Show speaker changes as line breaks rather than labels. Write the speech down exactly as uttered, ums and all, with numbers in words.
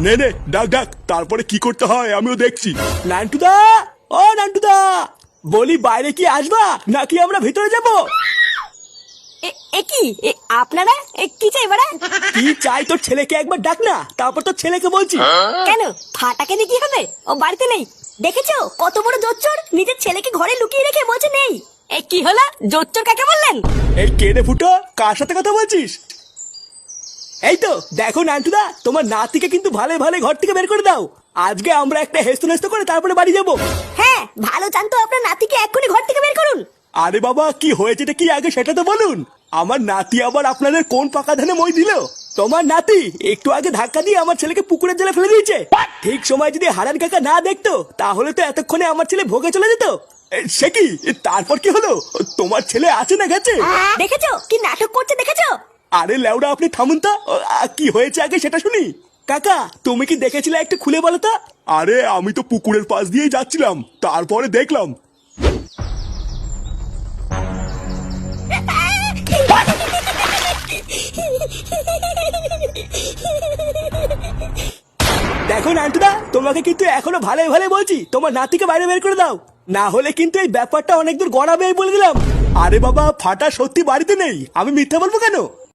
নে নে ডাক ডাক, তারপরে কি করতে হয় আমিও দেখছি।
নান্টুদা, ও নান্টুদা, বলি বাইরে কি আসবা নাকি আমরা ভিতরে যাব?
এ- এ কি এ, আপনারা এ, কি চাই বাড়া?
কি চাই তোর ছেলেকে একবার ডাক না, তারপর তোর ছেলেকে বলছি।
কেন ফাটাকে দিয়ে কি হবে? ও বাড়িতে নেই। দেখেছো কত বড় জোচ্চর, নিজের ছেলেকে ঘরে লুকিয়ে রেখে বলছে নেই। এ কি হলো? জোচ্চর কাকে বললেন?
এই কেড়ে ফুটো, কার সাথে কথা বলছিস? এই তো দেখো নান্টুদা, তোমার নাতিকে কিন্তু ভালো ভালো ঘর থেকে বের করে দাও। আজকে আমরা একটা হেস্ত নেস্ত করে তারপরে বাড়ি যাব।
হ্যাঁ, ভালো জানতো আপনার নাতিকে এক্ষুনি ঘর থেকে বের করুন।
আরে বাবা, কি হয়েছেটা কি আগে সেটা তো বলুন। আমার নাতি আবার আপনাদের কোন পাকা ধানে মই দিল? তোমার নাতি একটু আগে ধাক্কা দিয়ে আমার ছেলেকে পুকুরের জলে ফেলে দিয়েছে। ঠিক সময় যদি হারান কাকা না দেখতো তাহলে তো এতক্ষণে আমার ছেলে ভোগে চলে যেত। এ, সে কি? এ, তারপর কি হলো? তোমার ছেলে আছে না গেছে?
দেখেছো কি নাটক করছে? দেখেছো?
আরে লেওড়া, আপনি থামুন তো। ও, আ, কি হয়েছে আগে সেটা শুনি। কাকা, তুমি কি দেখেছিলে একটু খুলে বলো তো।
আরে আমি তো পুকুরের পাশ দিয়েই যাচ্ছিলাম, তারপরে দেখলাম।
দেখো নান্টুদা, তোমাকে কিন্তু এখনো ভালো ভালো বলছি, তোমার নাতিকে বাইরে বের করে দাও, না হলে কিন্তু এই ব্যাপারটা অনেক দূর গড়াবে বলে দিলাম। আরে বাবা, ফাটা সত্যি বাড়িতে নেই, আমি মিথ্যা বলবো কেন?